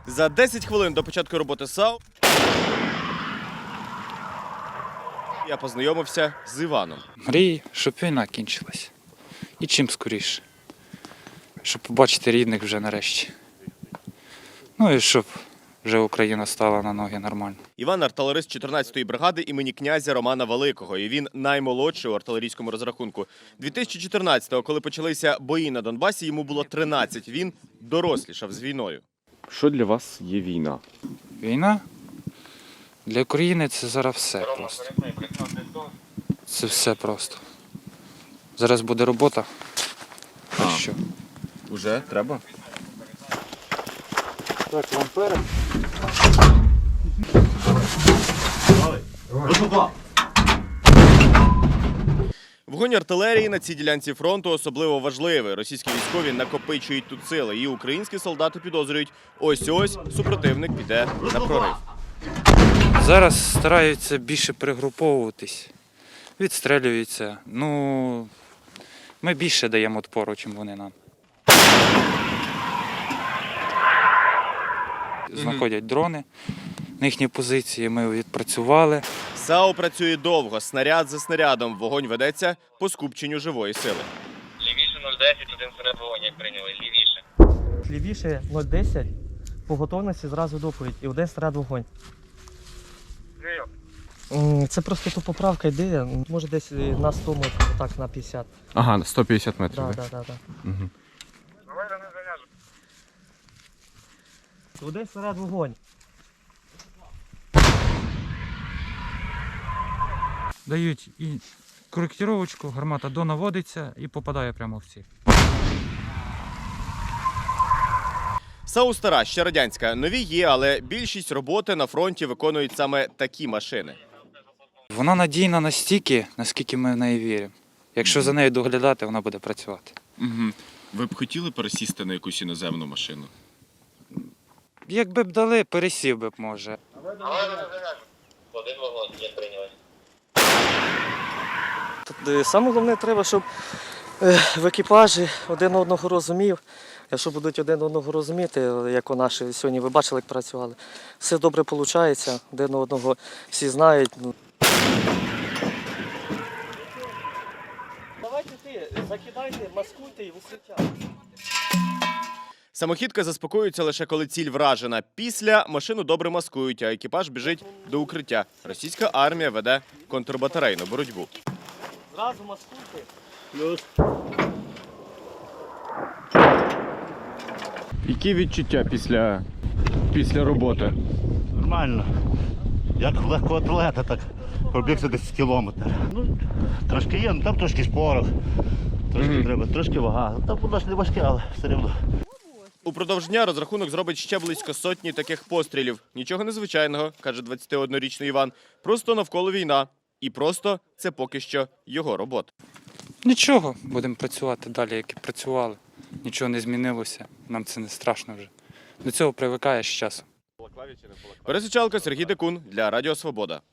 За 10 хвилин до початку роботи САУ я познайомився з Іваном. Мрію, щоб війна кінчилась. І чим скоріше. Щоб побачити рідних вже нарешті. Ну і щоб вже Україна стала на ноги нормально. Іван – артилерист 14-ї бригади імені князя Романа Великого. І він наймолодший у артилерійському розрахунку. 2014-го, коли почалися бої на Донбасі, йому було 13. Він дорослішав з війною. Що для вас є війна? Війна для України це зараз все просто. Це все просто. Зараз буде робота. А що? Уже треба? Так, лампери. Вогонь артилерії на цій ділянці фронту особливо важливий. Російські військові накопичують тут сили. І українські солдати підозрюють, ось-ось супротивник піде на прорив. Зараз стараються більше перегруповуватись. Відстрелюються. Ну, ми більше даємо відпору, чим вони нам. Знаходять дрони на їхні позиції, ми відпрацювали. САУ працює довго, снаряд за снарядом. Вогонь ведеться по скупченню живої сили. Лівіше 010, один серед вогонь, як прийняли, лівіше. Лівіше 010, по готовності зразу доповідь і один снаряд вогонь. Це просто то поправка йде, може десь на 100 метрів, так, на 50. Ага, 150 метрів. Так. Угу. Один снаряд вогонь. Дають і коректировочку, гармата донаводиться і попадає прямо в ціль. САУ стара, ще радянська. Нові є, але більшість роботи на фронті виконують саме такі машини. Вона надійна настільки, наскільки ми в неї віримо. Якщо за нею доглядати, вона буде працювати. Угу. Ви б хотіли пересісти на якусь іноземну машину? Якби б дали, пересів би б, може. Один вогонь, як прийняли. Саме головне треба, щоб в екіпажі один одного розумів. Якщо будуть один одного розуміти, як у наші сьогодні, ви бачили, як працювали, все добре виходить, один одного всі знають. Давайте закидайте, маскуйте і висвічайте. Самохідка заспокоюється лише коли ціль вражена. Після машину добре маскують, а екіпаж біжить до укриття. Російська армія веде контрбатарейну боротьбу. Зразу маскуйте. Які відчуття після роботи? Нормально. Як легкоатлета, так пробігся десь кілометр. Ну, трошки є, ну там трошки шпорох, трошки треба, трошки вага. Там воно ж не важке, але все рівно. Упродовж дня розрахунок зробить ще близько сотні таких пострілів. Нічого незвичайного, каже 21-річний Іван. Просто навколо війна. І просто це поки що його робота. Нічого, будемо працювати далі, як і працювали. Нічого не змінилося, нам це не страшно вже. До цього привикаєш з часом. Пересичалка, Сергій Декун для Радіо Свобода.